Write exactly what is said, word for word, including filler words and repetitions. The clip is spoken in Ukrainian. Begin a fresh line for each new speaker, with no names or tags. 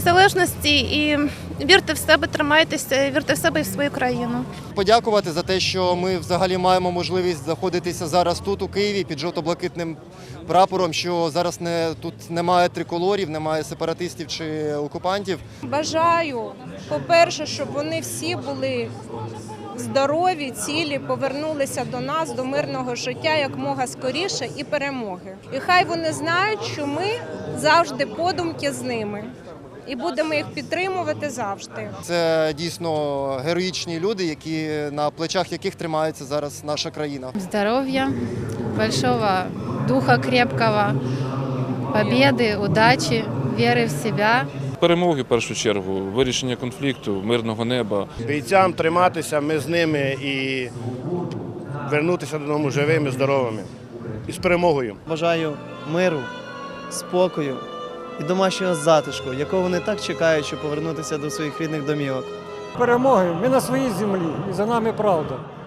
незалежності і вірте в себе, тримайтеся, вірте в себе і в свою країну.
Подякувати за те, що ми взагалі маємо можливість знаходитися зараз тут, у Києві, під жовто-блакитним прапором, що зараз не, тут немає триколорів, немає сепаратистів чи окупантів.
Бажаю, по-перше, щоб вони всі були здорові, цілі, повернулися до нас, до мирного життя якомога скоріше і перемоги. І хай вони знають, що ми завжди подумки з ними. І будемо їх підтримувати завжди.
Це дійсно героїчні люди, які, на плечах яких тримається зараз наша країна.
Здоров'я, большого духа крепкого, победи, удачі, віри в себе.
Перемоги, в першу чергу, вирішення конфлікту, мирного неба.
Бійцям триматися, ми з ними і вернутися додому живими, здоровими і з перемогою.
Бажаю миру, спокою і домашнього затишку, якого вони так чекають, щоб повернутися до своїх рідних домівок.
Перемоги, ми на своїй землі і за нами правда.